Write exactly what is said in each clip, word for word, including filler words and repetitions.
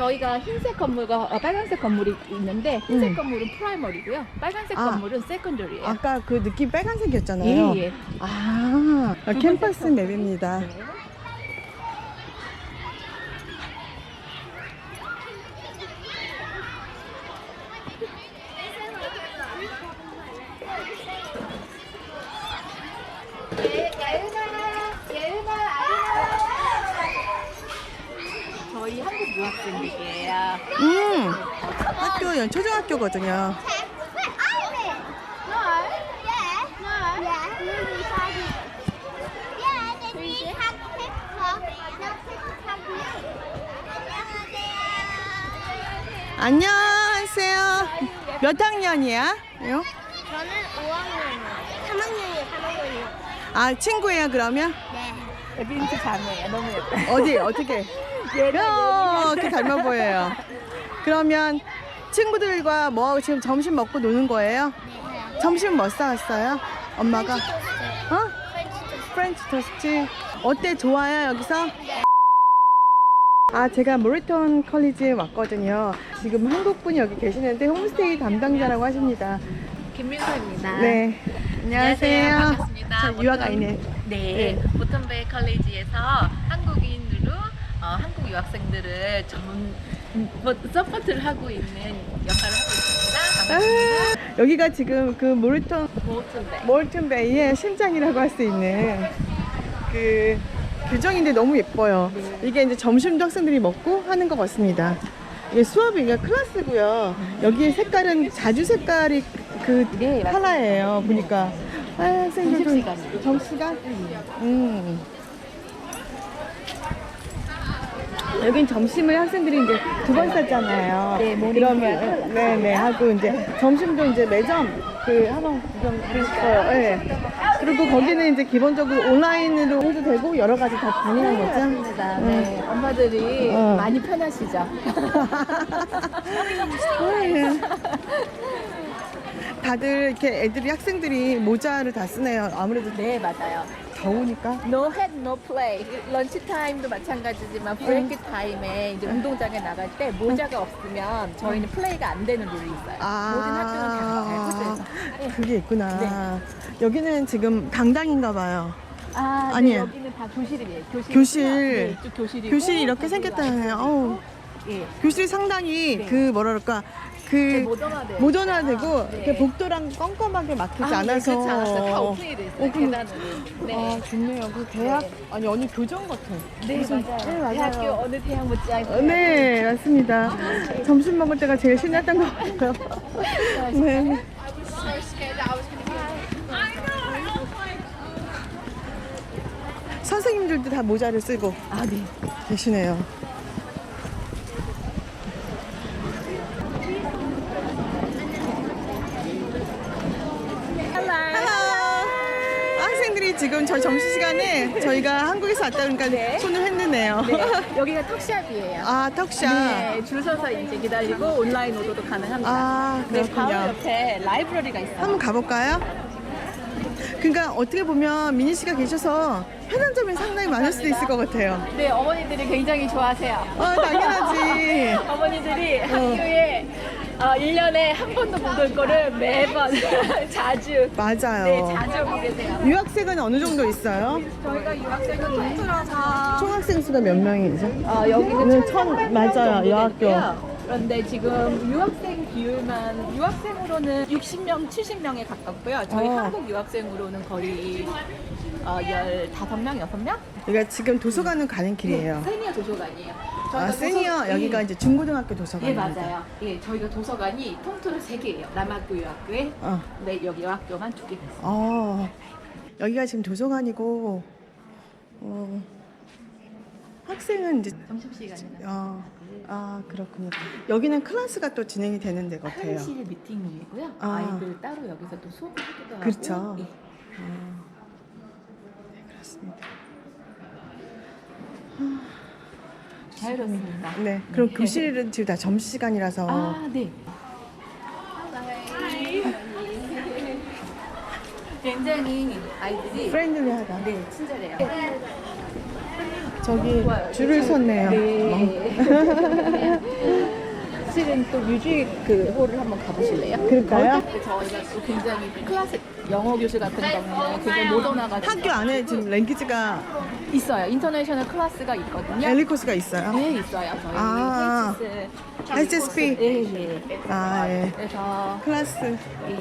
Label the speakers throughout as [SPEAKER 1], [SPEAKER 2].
[SPEAKER 1] 저희가 흰색 건물과 어, 빨간색 건물이 있는데 흰색
[SPEAKER 2] 음.
[SPEAKER 1] 건물은 프라이머리고요. 빨간색
[SPEAKER 2] 아.
[SPEAKER 1] 건물은 세컨더리예요.
[SPEAKER 2] 아까 그 느낌 빨간색이었잖아요.
[SPEAKER 1] 예, 예.
[SPEAKER 2] 아, 캠퍼스
[SPEAKER 1] 붉은색
[SPEAKER 2] 맵입니다.
[SPEAKER 1] 네. 저희 한국 유학생들이에요.
[SPEAKER 2] 음, 학교, 초등학교거든요. 안녕하세요. 몇 학년이야? 요?
[SPEAKER 3] 저는 오 학년이에요. 삼 학년이에요. 삼 학년이요.
[SPEAKER 2] 아, 친구예요, 그러면?
[SPEAKER 3] 네.
[SPEAKER 1] 에빈트 자매예요. 너무 예뻐요.
[SPEAKER 2] 어디, 어떻게? 야, 어떻게 닮아 보여요. 그러면 친구들과 뭐하고 지금 점심 먹고 노는 거예요?
[SPEAKER 3] 네.
[SPEAKER 2] 점심 뭐 싸왔어요? 엄마가? 어? 프렌치 토스트. 어때? 좋아요, 여기서? 아, 제가 모리턴 컬리지에 왔거든요. 지금 한국분이 여기 계시는데 홈스테이 담당자라고 하십니다.
[SPEAKER 1] 김민서입니다.
[SPEAKER 2] 네. 안녕하세요.
[SPEAKER 1] 반갑습니다.
[SPEAKER 2] 저 유학 아이네.
[SPEAKER 1] 네, 보턴베이 컬리지에서 한국인으로 어, 한국 유학생들을 전문 뭐, 서포트를 하고 있는 역할을 하고 있습니다. 반갑습니다.
[SPEAKER 2] 아, 여기가 지금 그 모리턴
[SPEAKER 1] 보턴베이.
[SPEAKER 2] 몰튼 베이의 심장이라고 할 수 있는 그 규정인데 너무 예뻐요. 이게 이제 점심도 학생들이 먹고 하는 것 같습니다. 이게 수업이 이게 클래스고요. 여기에 색깔은 자주 색깔이 그
[SPEAKER 1] 네, 맞습니다.
[SPEAKER 2] 컬러예요. 보니까 아, 학생들도
[SPEAKER 1] 점심시간이요.
[SPEAKER 2] 점심시간? 음. 여긴 점심을 학생들이 이제 두 번 쌌잖아요.
[SPEAKER 1] 네, 모닝
[SPEAKER 2] 그러면 네네 하고 이제 점심도 이제 매점 그 한번 구경했어요. 네. 그리고 거기는 이제 기본적으로 온라인으로 해도 되고 여러 가지 다 가능한 거죠.
[SPEAKER 1] 맞습니다. 네, 엄마들이
[SPEAKER 2] 어.
[SPEAKER 1] 많이 편하시죠.
[SPEAKER 2] 네. 다들 이렇게 애들이 학생들이 모자를 다 쓰네요. 아무래도
[SPEAKER 1] 네, 맞아요.
[SPEAKER 2] 더우니까.
[SPEAKER 1] No head, no play. 런치 타임도 마찬가지지만 브레이크 타임에 이제 운동장에 나갈 때 모자가 없으면 저희는 플레이가 안 되는 룰이 있어요. 모든 학교는 다 알고 있어요. 네.
[SPEAKER 2] 그게 있구나. 여기는 지금 강당인가 봐요.
[SPEAKER 1] 아, 네,
[SPEAKER 2] 아니에요.
[SPEAKER 1] 여기는 다 교실이에요. 교실.
[SPEAKER 2] 교실.
[SPEAKER 1] 네, 이쪽 교실이고.
[SPEAKER 2] 교실이 이렇게 생겼다네요. 어우.
[SPEAKER 1] 예.
[SPEAKER 2] 교실이 상당히
[SPEAKER 1] 네.
[SPEAKER 2] 그 뭐라 그럴까 그
[SPEAKER 1] 네, 모던화돼요.
[SPEAKER 2] 모던화되고
[SPEAKER 1] 아,
[SPEAKER 2] 이렇게
[SPEAKER 1] 네.
[SPEAKER 2] 복도랑 껌껌하게 막히지
[SPEAKER 1] 아, 네,
[SPEAKER 2] 않아서
[SPEAKER 1] 그렇지 않았어요. 다 오픈이 돼 있어요.
[SPEAKER 2] 오픈.
[SPEAKER 1] 계단으로. 네.
[SPEAKER 2] 아 좋네요. 그 대학
[SPEAKER 1] 네.
[SPEAKER 2] 아니 어느 교정 같아.
[SPEAKER 1] 네,
[SPEAKER 2] 무슨-
[SPEAKER 1] 맞아요.
[SPEAKER 2] 네, 맞아요.
[SPEAKER 1] 대학교 어느 대학 못지않게.
[SPEAKER 2] 어, 네 맞습니다. 점심 먹을 때가 제일 신났던 것 같아요. 네. 선생님들도 다 모자를 쓰고
[SPEAKER 1] 아, 네.
[SPEAKER 2] 계시네요. 헬로. 학생들이 지금 저 점심시간에 저희가 한국에서 왔다 그러니까
[SPEAKER 1] 네.
[SPEAKER 2] 손을 흔드네요.
[SPEAKER 1] 네, 여기가 턱샵이에요.
[SPEAKER 2] 아, 턱샵.
[SPEAKER 1] 네, 줄 서서 이제 기다리고 온라인 오더도 가능합니다.
[SPEAKER 2] 아,
[SPEAKER 1] 네,
[SPEAKER 2] 그렇군요.
[SPEAKER 1] 바로 옆에 라이브러리가 있어요.
[SPEAKER 2] 한번 가볼까요? 그러니까 어떻게 보면 미니 씨가 계셔서 편한 점이 상당히 많을 수도 있을 것 같아요.
[SPEAKER 1] 네, 어머니들이 굉장히 좋아하세요.
[SPEAKER 2] 아, 당연하지.
[SPEAKER 1] 어머니들이 학교에 어, 일 년에 한 번도 못 올 거를 매번 자주
[SPEAKER 2] 맞아요.
[SPEAKER 1] 네, 자주 오고 계세요.
[SPEAKER 2] 유학생은 어느 정도 있어요?
[SPEAKER 1] 저희가 유학생은 통틀어서
[SPEAKER 2] 총학생 수가 몇 명이죠?
[SPEAKER 1] 어, 여기는
[SPEAKER 2] 네, 천-
[SPEAKER 1] 천삼백 명
[SPEAKER 2] 맞아요,
[SPEAKER 1] 정도
[SPEAKER 2] 여학교.
[SPEAKER 1] 되고요. 그런데 지금 유학생 비율만 유학생으로는 육십 명, 칠십 명에 가깝고요. 저희
[SPEAKER 2] 어.
[SPEAKER 1] 한국 유학생으로는 거의 어, 십오 명, 여섯 명?
[SPEAKER 2] 여기가 지금 도서관은 가는 길이에요.
[SPEAKER 1] 세니어 도서관이에요.
[SPEAKER 2] 아,
[SPEAKER 1] 저희가
[SPEAKER 2] 세니어
[SPEAKER 1] 도서-
[SPEAKER 2] 여기가
[SPEAKER 1] 예.
[SPEAKER 2] 이제 중고등학교
[SPEAKER 1] 예,
[SPEAKER 2] 도서관입니다.
[SPEAKER 1] 맞아요. 예, 저희가 도서관이 통틀어 세 개예요. 남학교 유학교에
[SPEAKER 2] 어.
[SPEAKER 1] 네, 여기 여학교만 두 개가 있어요.
[SPEAKER 2] 어. 여기가 지금 도서관이고 어. 학생은 이제
[SPEAKER 1] 점심시간에는
[SPEAKER 2] 어. 아, 그렇군요. 여기는 클래스가 또 진행이 되는 데 같아요.
[SPEAKER 1] 한실 미팅룸이고요.
[SPEAKER 2] 아.
[SPEAKER 1] 아이들 따로 여기서 또 수업을 하기도 하고.
[SPEAKER 2] 그렇죠.
[SPEAKER 1] 예.
[SPEAKER 2] 어. 네, 그렇습니다.
[SPEAKER 1] 자유롭습니다.
[SPEAKER 2] 네, 그럼 교실은 지금 다 점심시간이라서
[SPEAKER 1] 아, 네. 굉장히 아이들이
[SPEAKER 2] 프렌들리하다.
[SPEAKER 1] 네, 친절해요.
[SPEAKER 2] 저기
[SPEAKER 1] 좋아요.
[SPEAKER 2] 줄을 섰네요.
[SPEAKER 1] 네. 실은 또 뮤직 그 홀을 한번 가보실래요?
[SPEAKER 2] 그럴까요?
[SPEAKER 1] 거기 저희가 또 굉장히 클래식 영어 교실 같은 경우는 굉장히 모던화가지고
[SPEAKER 2] 학교 안에 지금 랭귀지가
[SPEAKER 1] 있어요. 인터내셔널 클래스가 있거든요.
[SPEAKER 2] 엘리 코스가 있어요.
[SPEAKER 1] 네, 있어요. 저희
[SPEAKER 2] 아.
[SPEAKER 1] 에이치에스
[SPEAKER 2] 에이치에스피.
[SPEAKER 1] 네, 네.
[SPEAKER 2] 아, 예.
[SPEAKER 1] 그래서
[SPEAKER 2] 클래스.
[SPEAKER 1] 이-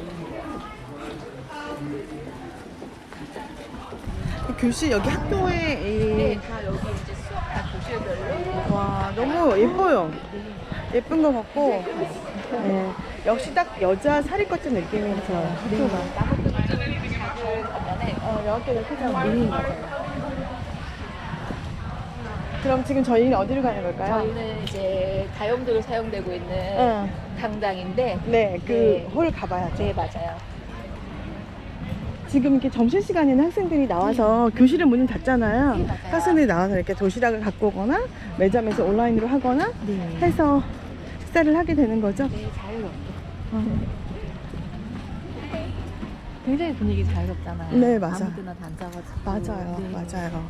[SPEAKER 2] 교실 여기 학교에
[SPEAKER 1] 네,
[SPEAKER 2] 이...
[SPEAKER 1] 다 여기 이제 수업 다 교실별로
[SPEAKER 2] 와 너무 예뻐요. 예쁜 것 같고 예. 역시 딱 여자 사립거점 느낌이 들어요. 학교가.
[SPEAKER 1] 나무들은 좀 작은 반면에
[SPEAKER 2] 어, 여학교는 크죠.
[SPEAKER 1] 미니인 거예요.
[SPEAKER 2] 그럼 지금 저희는 어디로 가는 걸까요?
[SPEAKER 1] 저희는 이제 다용도로 사용되고 있는
[SPEAKER 2] 응.
[SPEAKER 1] 강당인데
[SPEAKER 2] 네, 그
[SPEAKER 1] 네.
[SPEAKER 2] 홀 가봐야죠.
[SPEAKER 1] 네, 맞아요.
[SPEAKER 2] 지금 이렇게 점심시간에는 학생들이 나와서 교실은 문을 닫잖아요.
[SPEAKER 1] 네, 맞아요.
[SPEAKER 2] 학생들이 나와서 이렇게 도시락을 갖고 오거나 매점에서 온라인으로 하거나
[SPEAKER 1] 네.
[SPEAKER 2] 해서 식사를 하게 되는 거죠.
[SPEAKER 1] 네, 자유롭게.
[SPEAKER 2] 어.
[SPEAKER 1] 굉장히 분위기 자유롭잖아요.
[SPEAKER 2] 네, 맞아요.
[SPEAKER 1] 아무 데나 다 앉아가지고.
[SPEAKER 2] 맞아요,
[SPEAKER 1] 네.
[SPEAKER 2] 맞아요.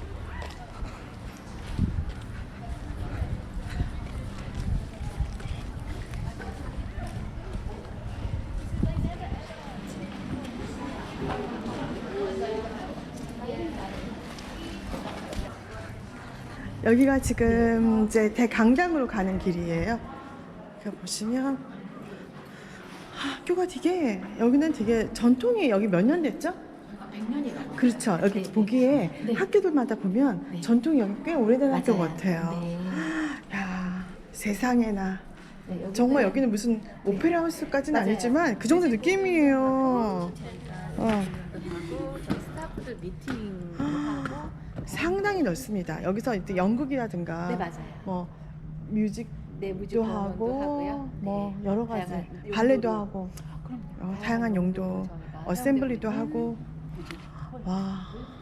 [SPEAKER 2] 여기가 지금 이제 대강당으로 가는 길이에요. 여기 보시면 아, 학교가 되게 여기는 되게 전통이 여기 몇 년 됐죠?
[SPEAKER 1] 백 년이 넘어요.
[SPEAKER 2] 그렇죠. 여기
[SPEAKER 1] 네.
[SPEAKER 2] 보기에
[SPEAKER 1] 네.
[SPEAKER 2] 학교들마다 보면
[SPEAKER 1] 네.
[SPEAKER 2] 전통이 여기 꽤 오래된 학교
[SPEAKER 1] 맞아요.
[SPEAKER 2] 같아요.
[SPEAKER 1] 네.
[SPEAKER 2] 야 세상에나
[SPEAKER 1] 네, 여기는
[SPEAKER 2] 정말 여기는 무슨 오페라 하우스까지는
[SPEAKER 1] 맞아요.
[SPEAKER 2] 아니지만 그 정도 느낌이에요. 어.
[SPEAKER 1] 하고 저희 스타프들 미팅도 하고.
[SPEAKER 2] 상당히 넓습니다. 여기서 이제 연극이라든가
[SPEAKER 1] 네, 맞아요.
[SPEAKER 2] 뭐 뮤직도
[SPEAKER 1] 네, 뮤직 공연도
[SPEAKER 2] 하고
[SPEAKER 1] 하고요.
[SPEAKER 2] 뭐
[SPEAKER 1] 네.
[SPEAKER 2] 여러 가지
[SPEAKER 1] 다양한
[SPEAKER 2] 발레도
[SPEAKER 1] 용도로.
[SPEAKER 2] 하고
[SPEAKER 1] 그럼요.
[SPEAKER 2] 어, 다양한 용도
[SPEAKER 1] 저희가
[SPEAKER 2] 어셈블리도
[SPEAKER 1] 사용되고
[SPEAKER 2] 하고
[SPEAKER 1] 있는 뮤직 홀.
[SPEAKER 2] 와.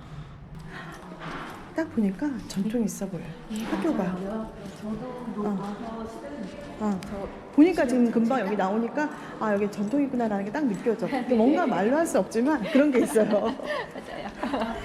[SPEAKER 2] 딱 보니까 전통 있어 보여요. 학교가. 어. 어. 보니까 지금 금방 여기 나오니까 아 여기 전통이구나라는 게 딱 느껴져. 근데 뭔가 말로 할 수 없지만 그런 게 있어요.
[SPEAKER 1] 맞아요.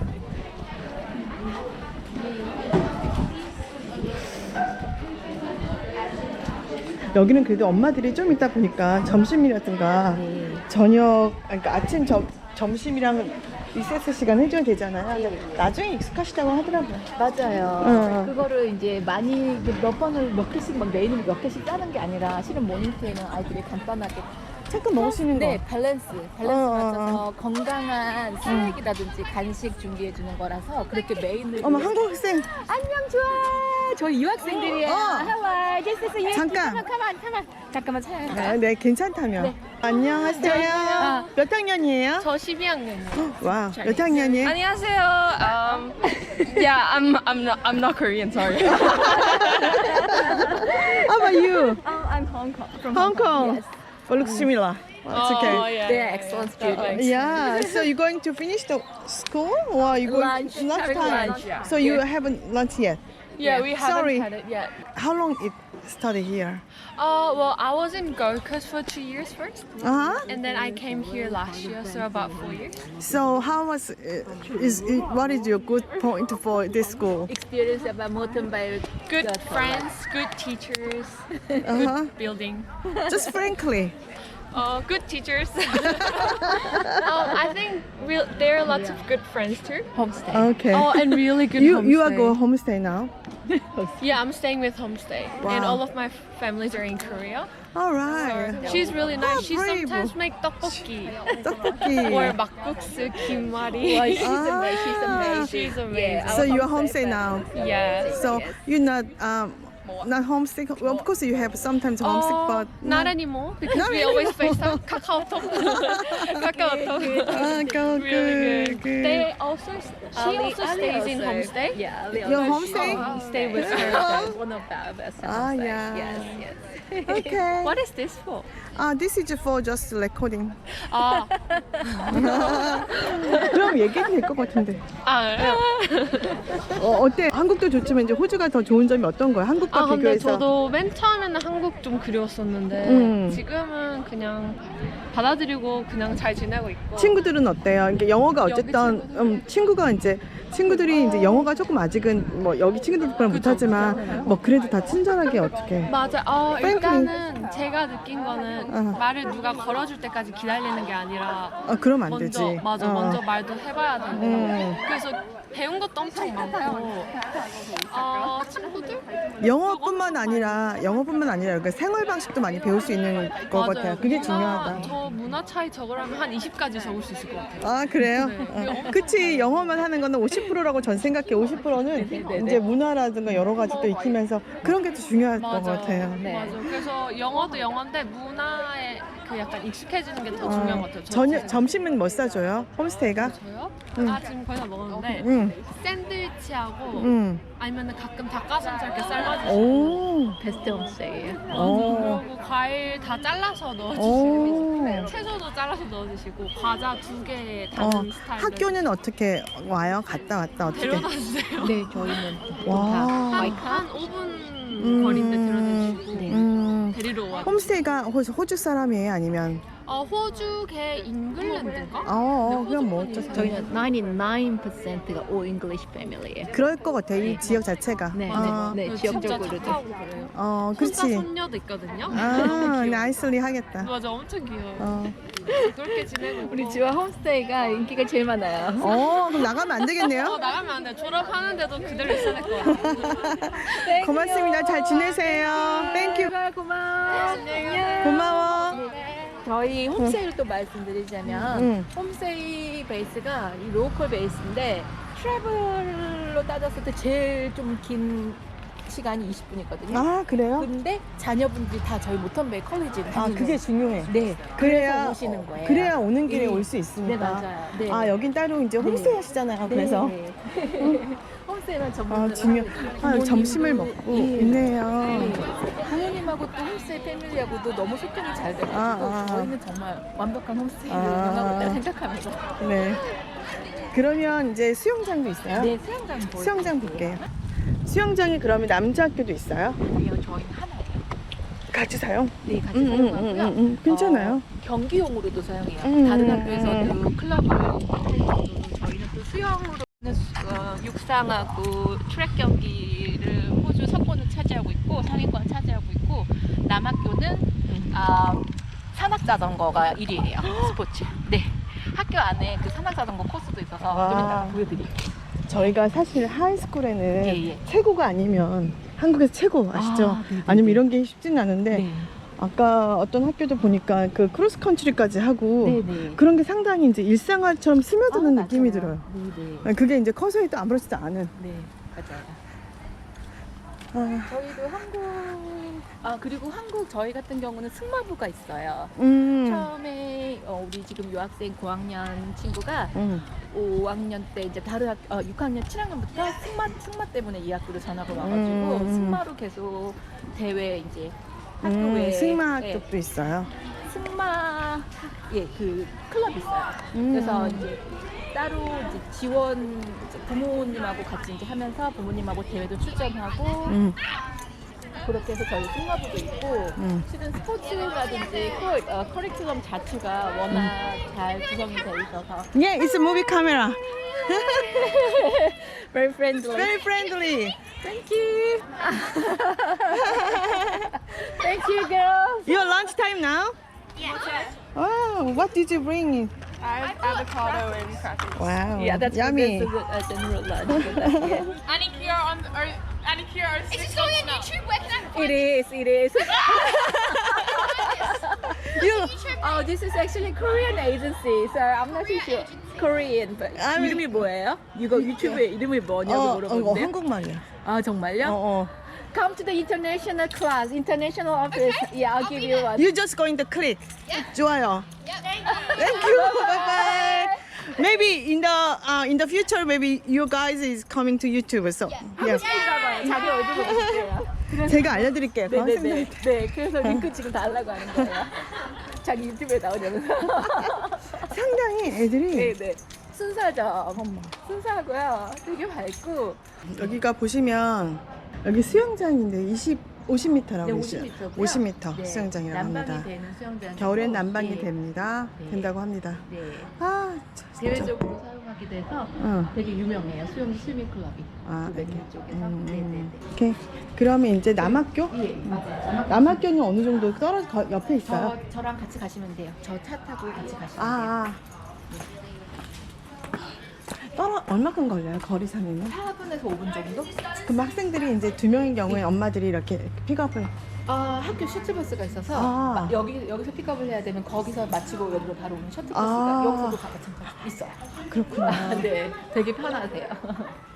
[SPEAKER 2] 여기는 그래도 엄마들이 좀 있다 보니까 점심이라든가
[SPEAKER 1] 네.
[SPEAKER 2] 저녁, 그러니까 아침, 점, 점심이랑 리세스 시간 해줘야 되잖아요. 근데 나중에 익숙하시다고 하더라고요.
[SPEAKER 1] 맞아요.
[SPEAKER 2] 어.
[SPEAKER 1] 그거를 이제 많이 이렇게 몇 번을 몇 개씩 막 메인을 몇 개씩 짜는 게 아니라 실은 모닝테는 아이들이 간단하게
[SPEAKER 2] 잠깐 먹을 수 있는 거.
[SPEAKER 1] 네, 밸런스, 밸런스
[SPEAKER 2] 어, 어,
[SPEAKER 1] 맞춰서 건강한 스낵이라든지 간식 준비해 주는 거라서 그렇게 메인을
[SPEAKER 2] 어머,
[SPEAKER 1] 위해서-
[SPEAKER 2] 한국 학생.
[SPEAKER 1] 안녕 좋아. 저희 유학생들이에요.
[SPEAKER 2] 어.
[SPEAKER 1] Hello, this is you.
[SPEAKER 2] 잠깐.
[SPEAKER 1] 잠깐만, 잠깐만, 잠깐만 찾아갈까요?
[SPEAKER 2] 아, 네, 괜찮다면.
[SPEAKER 1] 네.
[SPEAKER 2] 안녕하세요.
[SPEAKER 1] 안녕하세요.
[SPEAKER 2] 몇 학년이에요?
[SPEAKER 4] 저 십이 학년이요.
[SPEAKER 2] 와, 몇 학년이에요?
[SPEAKER 4] 안녕하세요. Um, yeah, I'm I'm not I'm not Korean. Sorry.
[SPEAKER 2] How about you?
[SPEAKER 4] Oh, I'm Hong Kong. From
[SPEAKER 2] Hong Kong.
[SPEAKER 1] Yes.
[SPEAKER 2] Oh, looks similar. It's okay.
[SPEAKER 4] Oh, yeah.
[SPEAKER 1] They're excellent students.
[SPEAKER 2] Yeah, so you're going to finish the school or you going
[SPEAKER 1] Lunch, having
[SPEAKER 2] lunchtime?
[SPEAKER 1] lunch, yeah.
[SPEAKER 2] So you haven't lunch yet.
[SPEAKER 4] Yeah, we haven't
[SPEAKER 2] Sorry.
[SPEAKER 4] had it yet.
[SPEAKER 2] How long it study here?
[SPEAKER 4] Uh, well, I was in Gold Coast for two years first,
[SPEAKER 2] Uh-huh.
[SPEAKER 4] and then I came here last year, so about four years.
[SPEAKER 2] So how was uh, is it, what is your good point for this school?
[SPEAKER 1] Experience about Mountain
[SPEAKER 4] Good friends, good teachers,
[SPEAKER 2] Uh-huh.
[SPEAKER 4] good building.
[SPEAKER 2] Just frankly.
[SPEAKER 4] Uh, good teachers. um, I think real, there are lots of good friends too.
[SPEAKER 1] Homestay.
[SPEAKER 2] Okay.
[SPEAKER 4] Oh, and really good
[SPEAKER 2] you
[SPEAKER 4] homestay.
[SPEAKER 2] you are go homestay now.
[SPEAKER 4] Yeah, I'm staying with homestay, and
[SPEAKER 2] Wow.
[SPEAKER 4] all of my families are in Korea.
[SPEAKER 2] All right.
[SPEAKER 4] She's really nice.
[SPEAKER 2] Oh,
[SPEAKER 4] She
[SPEAKER 2] brave.
[SPEAKER 4] sometimes make tteokbokki
[SPEAKER 2] 떡볶이.
[SPEAKER 4] or 막국수, kimari.
[SPEAKER 1] Well, she's
[SPEAKER 2] Ah.
[SPEAKER 1] amazing. She's amazing.
[SPEAKER 4] She's amazing.
[SPEAKER 1] Yeah,
[SPEAKER 2] So
[SPEAKER 1] our
[SPEAKER 2] you are
[SPEAKER 1] homestay
[SPEAKER 2] homestay now.
[SPEAKER 4] Yeah.
[SPEAKER 2] So you're not um not homesick. Well, of course you have sometimes homesick,
[SPEAKER 4] Oh,
[SPEAKER 2] but
[SPEAKER 4] not
[SPEAKER 2] no.
[SPEAKER 4] anymore because
[SPEAKER 2] Not
[SPEAKER 4] we always FaceTime. KakaoTalk. KakaoTalk.
[SPEAKER 2] Ah, go
[SPEAKER 4] Really
[SPEAKER 2] good,
[SPEAKER 4] good. They also she
[SPEAKER 1] Ali-
[SPEAKER 4] also
[SPEAKER 1] Ali
[SPEAKER 4] stays in
[SPEAKER 1] also-
[SPEAKER 4] homestay.
[SPEAKER 1] Yeah, Ali
[SPEAKER 2] Your
[SPEAKER 1] also-
[SPEAKER 2] homestay?
[SPEAKER 1] Oh, stay with her. That's one of the best
[SPEAKER 2] Ah,
[SPEAKER 1] homestay.
[SPEAKER 2] yeah.
[SPEAKER 1] Yes, yes.
[SPEAKER 2] Okay.
[SPEAKER 4] What is this for?
[SPEAKER 2] Ah, this is for just recording.
[SPEAKER 4] 아,
[SPEAKER 2] 그럼 얘기해도 될 것 같은데.
[SPEAKER 4] 아,
[SPEAKER 2] 어, 어때? 한국도 좋지만 이제 호주가 더 좋은 점이 어떤 거야? 한국과
[SPEAKER 4] 아 근데
[SPEAKER 2] 비교해서.
[SPEAKER 4] 저도 맨 처음에는 한국 좀 그리웠었는데
[SPEAKER 2] 음.
[SPEAKER 4] 지금은 그냥 받아들이고 그냥 잘 지내고 있고.
[SPEAKER 2] 친구들은 어때요? 이게 영어가
[SPEAKER 4] 여기
[SPEAKER 2] 어쨌든
[SPEAKER 4] 친구들?
[SPEAKER 2] 음, 친구가 이제 친구들이 이제 영어가 조금 아직은 뭐 여기 친구들보다 못하지만 뭐 그래도 다 친절하게 어떻게.
[SPEAKER 4] 맞아. 어,
[SPEAKER 2] 프랭클리.
[SPEAKER 4] 일단은 제가 느낀 거는
[SPEAKER 2] 어.
[SPEAKER 4] 말을 누가 걸어줄 때까지 기다리는 게 아니라
[SPEAKER 2] 아 그럼 안
[SPEAKER 4] 먼저
[SPEAKER 2] 되지.
[SPEAKER 4] 맞아
[SPEAKER 2] 어.
[SPEAKER 4] 먼저 말도 해봐야 되고
[SPEAKER 2] 음.
[SPEAKER 4] 그래서 배운 것도 엄청 많고 어, 친구들
[SPEAKER 2] 영어뿐만 아니라 영어뿐만 아니라 이렇게 생활 방식도 많이 배울 수 있는 것
[SPEAKER 4] 맞아요.
[SPEAKER 2] 같아요. 그게
[SPEAKER 4] 문화,
[SPEAKER 2] 중요하다.
[SPEAKER 4] 저 문화 차이 적으라면 한 이십까지 적을 수 있을 것 같아요.
[SPEAKER 2] 아 그래요?
[SPEAKER 4] 네.
[SPEAKER 2] 어. 그치 영어만 하는 거는 오십 퍼센트라고 전 생각해. 오십 퍼센트는 이제 문화라든가 여러 가지 또 익히면서 그런 게 또 중요할 것
[SPEAKER 4] 맞아.
[SPEAKER 2] 같아요.
[SPEAKER 1] 네.
[SPEAKER 4] 맞아. 그래서 영어도 영어인데 문화에 그 약간 익숙해지는 게 더 중요한 것 같아요. 저
[SPEAKER 2] 저녁
[SPEAKER 4] 진짜.
[SPEAKER 2] 점심은 뭐 싸줘요? 홈스테이가?
[SPEAKER 4] 저요?
[SPEAKER 2] 응.
[SPEAKER 4] 아 지금 거의 다 먹었는데
[SPEAKER 2] 응,
[SPEAKER 4] 샌드위치하고
[SPEAKER 2] 응.
[SPEAKER 4] 아니면 가끔 닭가슴살 이렇게 삶아주시고
[SPEAKER 2] 오,
[SPEAKER 1] 베스트 홈스테이예요.
[SPEAKER 2] 오,
[SPEAKER 4] 그리고 과일 다 잘라서
[SPEAKER 2] 오.
[SPEAKER 4] 넣어주시고 채소도 잘라서 넣어주시고 과자 두 개
[SPEAKER 2] 어,
[SPEAKER 4] 다른 스타일로
[SPEAKER 2] 학교는 어떻게 와요? 갔다 왔다 어떻게?
[SPEAKER 4] 데려다 주세요.
[SPEAKER 1] 네, 저희는
[SPEAKER 2] 와.
[SPEAKER 4] 한, 한 오 분
[SPEAKER 2] 음.
[SPEAKER 4] 거리인데 데려다 주시고
[SPEAKER 1] 네.
[SPEAKER 2] 음,
[SPEAKER 4] 데리러 와.
[SPEAKER 2] 홈스테이가 호주, 호주 사람이에요? 아니면?
[SPEAKER 4] 어, 호주계 잉글랜드인가?
[SPEAKER 2] 어, 어
[SPEAKER 4] 네,
[SPEAKER 2] 그럼 뭐
[SPEAKER 4] 호주
[SPEAKER 2] 어쩌
[SPEAKER 1] 저희는 구십구 퍼센트가 all English family예요.
[SPEAKER 2] 그럴 것 같아. 이 지역 자체가.
[SPEAKER 1] 네,
[SPEAKER 2] 어,
[SPEAKER 1] 네, 네,
[SPEAKER 4] 진짜
[SPEAKER 1] 지역적으로도.
[SPEAKER 4] 착하고 그래요.
[SPEAKER 2] 어,
[SPEAKER 4] 손자
[SPEAKER 2] 그렇지.
[SPEAKER 4] 손녀도 있거든요.
[SPEAKER 2] 아,
[SPEAKER 4] 너무 귀여워.
[SPEAKER 2] 나이스리 하겠다.
[SPEAKER 4] 맞아, 엄청 귀여워.
[SPEAKER 2] 어,
[SPEAKER 4] 그렇게 지내고 있고.
[SPEAKER 1] 우리 지와 홈스테이가 인기가 제일 많아요.
[SPEAKER 2] 어, 그럼 나가면 안
[SPEAKER 4] 어,
[SPEAKER 2] 되겠네요.
[SPEAKER 4] 나가면 안 돼. 졸업하는데도 그대로 있어야 될 것 같아.
[SPEAKER 2] 고맙습니다. 잘 지내세요. 땡큐.
[SPEAKER 1] 고마워. 안녕.
[SPEAKER 2] 고마워.
[SPEAKER 1] 저희 홈스테이를 또 말씀드리자면
[SPEAKER 2] 응.
[SPEAKER 1] 홈스테이 베이스가 이 로컬 베이스인데 트래블로 따졌을 때 제일 좀 긴 시간이 이십 분이거든요.
[SPEAKER 2] 아, 그래요?
[SPEAKER 1] 근데 자녀분들이 다 저희 모턴베이 컬리지를
[SPEAKER 2] 아,
[SPEAKER 1] 다니는
[SPEAKER 2] 그게 중요해.
[SPEAKER 1] 네.
[SPEAKER 2] 그래야
[SPEAKER 1] 그래서 오시는 거예요.
[SPEAKER 2] 그래야 오는 길에
[SPEAKER 1] 네.
[SPEAKER 2] 올 수 있으니까.
[SPEAKER 1] 네, 맞아요. 네.
[SPEAKER 2] 아, 여긴 따로 이제 홈스테이 하시잖아요. 그래서
[SPEAKER 1] 네. 홈스테이만 전문.
[SPEAKER 2] 아, 중요. 아, 점심을 먹고 있네요.
[SPEAKER 1] 부모님하고 또 홈스테이 패밀리하고도 너무 소통이 잘 돼가지고
[SPEAKER 2] 아, 아.
[SPEAKER 1] 저희는 정말 완벽한 홈스테이를
[SPEAKER 2] 아.
[SPEAKER 1] 운영하고 있다 생각하면서
[SPEAKER 2] 네. 그러면 이제 수영장도 있어요?
[SPEAKER 1] 네, 수영장 보여요.
[SPEAKER 2] 수영장 볼게요. 수영장이 그러면 남자 학교도 있어요?
[SPEAKER 1] 아니요, 저희는 하나예요.
[SPEAKER 2] 같이 사용?
[SPEAKER 1] 네, 같이
[SPEAKER 2] 음, 음,
[SPEAKER 1] 사용하고요.
[SPEAKER 2] 음, 음, 음. 괜찮아요.
[SPEAKER 1] 어, 경기용으로도 사용해요.
[SPEAKER 2] 음,
[SPEAKER 1] 다른
[SPEAKER 2] 음,
[SPEAKER 1] 학교에서도 클럽을 할 정도로 저희는 또 수영으로 어, 육상하고 트랙 경기를 호주 서권을 차지하고 있고 상위권 차지하고 있고 남학교는 아, 산악자전거가 일 위예요. 스포츠. 네. 학교 안에 그 산악자전거 코스도 있어서
[SPEAKER 2] 와.
[SPEAKER 1] 좀 이따가 보여드릴게요.
[SPEAKER 2] 저희가 사실 하이스쿨에는
[SPEAKER 1] 예, 예.
[SPEAKER 2] 최고가 아니면 한국에서 최고 아시죠?
[SPEAKER 1] 아, 네네네.
[SPEAKER 2] 아니면 이런 게 쉽진 않은데
[SPEAKER 1] 네.
[SPEAKER 2] 아까 어떤 학교도 보니까 그 크로스 컨트리까지 하고
[SPEAKER 1] 네네.
[SPEAKER 2] 그런 게 상당히 이제 일상화처럼 스며드는
[SPEAKER 1] 아,
[SPEAKER 2] 느낌이
[SPEAKER 1] 맞아요.
[SPEAKER 2] 들어요.
[SPEAKER 1] 네네.
[SPEAKER 2] 그게 이제 커서 해도 아무렇지도 않은.
[SPEAKER 1] 네, 맞아요.
[SPEAKER 2] 아,
[SPEAKER 1] 저희도 한국, 아, 그리고 한국 저희 같은 경우는 승마부가 있어요.
[SPEAKER 2] 음,
[SPEAKER 1] 처음에 어, 우리 지금 유학생 고학년 친구가
[SPEAKER 2] 음,
[SPEAKER 1] 오 학년 때 이제 다른 학, 어, 육 학년, 칠 학년부터 승마, 승마 때문에 이 학교로 전학을 와가지고
[SPEAKER 2] 음.
[SPEAKER 1] 승마로 계속 대회 이제 학교에
[SPEAKER 2] 음, 승마
[SPEAKER 1] 예,
[SPEAKER 2] 쪽도 있어요.
[SPEAKER 1] 승마 예 그 클럽 있어요.
[SPEAKER 2] 음.
[SPEAKER 1] 그래서 이제 따로 이제 지원 이제 부모님하고 같이 이제 하면서 부모님하고 대회도 출전하고
[SPEAKER 2] 음,
[SPEAKER 1] 그렇게 해서 저희 승마부도 있고
[SPEAKER 2] 음.
[SPEAKER 1] 실은 스포츠라든지 커, 어, 커리큘럼 자체가 워낙 잘 구성이 돼 있어서
[SPEAKER 2] Yeah, it's a movie camera.
[SPEAKER 1] very friendly.
[SPEAKER 2] Very friendly.
[SPEAKER 1] Thank you. Thank you, girls.
[SPEAKER 2] Your lunch time now?
[SPEAKER 3] Yes.
[SPEAKER 2] Wow, what did you bring?
[SPEAKER 3] I have avocado and crackers.
[SPEAKER 2] Wow,
[SPEAKER 1] Yeah, that's
[SPEAKER 2] yummy.
[SPEAKER 1] that's a, good, a general lunch. But that's, yeah.
[SPEAKER 4] Anikira on or Anikira are
[SPEAKER 3] Is this going on YouTube? Where can I
[SPEAKER 1] It is. It is.
[SPEAKER 2] You,
[SPEAKER 1] Oh, this is actually Korean agency, so I'm not too sure. Korean, but
[SPEAKER 2] I mean-
[SPEAKER 1] 이름이 뭐예요? 이거 유튜브에 이름이 뭐냐고
[SPEAKER 2] 어, 어,
[SPEAKER 1] 물어보는데.
[SPEAKER 2] 한국말이야.
[SPEAKER 1] 아 정말요?
[SPEAKER 2] 어, 어.
[SPEAKER 1] Come to the international class, international office. Yeah, I'll give you one.
[SPEAKER 2] You just going to click. 좋아요.
[SPEAKER 3] Yeah. Thank you.
[SPEAKER 2] Thank you. Bye bye. Maybe in the uh, in the future, maybe you guys is coming to YouTube. So yes.
[SPEAKER 1] 봐봐요. 자기 얼굴 보여주세요.
[SPEAKER 2] 제가 알려드릴게요.
[SPEAKER 1] 네네네.
[SPEAKER 2] 선생님한테.
[SPEAKER 1] 네, 그래서 링크 지금 달라고 하는 거예요. 자기 유튜브에 나오냐면서.
[SPEAKER 2] 상당히 애들이
[SPEAKER 1] 네네. 순사죠. 순사하고요. 되게 밝고.
[SPEAKER 2] 여기가 보시면 여기 수영장인데 이십, 오십 미터라고
[SPEAKER 1] 네,
[SPEAKER 2] 있어요.
[SPEAKER 1] 오십 미터고요.
[SPEAKER 2] 오십 미터
[SPEAKER 1] 네,
[SPEAKER 2] 수영장이라고
[SPEAKER 1] 난방이
[SPEAKER 2] 합니다.
[SPEAKER 1] 되는 수영장.
[SPEAKER 2] 겨울엔 난방이
[SPEAKER 1] 네.
[SPEAKER 2] 됩니다.
[SPEAKER 1] 네.
[SPEAKER 2] 된다고 합니다.
[SPEAKER 1] 네.
[SPEAKER 2] 아, 진짜.
[SPEAKER 1] 대외적으로 사용하는 하기도 해서
[SPEAKER 2] 어.
[SPEAKER 1] 되게 유명해요. 수영 스위밍 클럽이.
[SPEAKER 2] 아,
[SPEAKER 1] 그
[SPEAKER 2] 이렇게.
[SPEAKER 1] 쪽에서.
[SPEAKER 2] 음,
[SPEAKER 1] 네네네.
[SPEAKER 2] 오케이. 그러면 이제 남학교?
[SPEAKER 1] 예, 맞아요.
[SPEAKER 2] 남학교는 어느 정도 떨어져 거- 옆에 있어요?
[SPEAKER 1] 저, 저랑 같이 가시면 돼요. 저 차 타고 같이 가시면 돼요.
[SPEAKER 2] 아, 아. 떨어 얼마큼 걸려요? 거리 상이면?
[SPEAKER 1] 사 분에서 오 분 정도?
[SPEAKER 2] 그럼 학생들이 이제 두 명인 경우에 엄마들이 이렇게 픽업을
[SPEAKER 1] 아, 학교 셔틀버스가 있어서
[SPEAKER 2] 아.
[SPEAKER 1] 마- 여기 여기서 픽업을 해야 되면 거기서 마치고 여기로 바로 오는 셔틀버스가
[SPEAKER 2] 아.
[SPEAKER 1] 여기서도 가- 마찬가지 있어요.
[SPEAKER 2] 그렇구나.
[SPEAKER 1] 네, 되게 편하세요.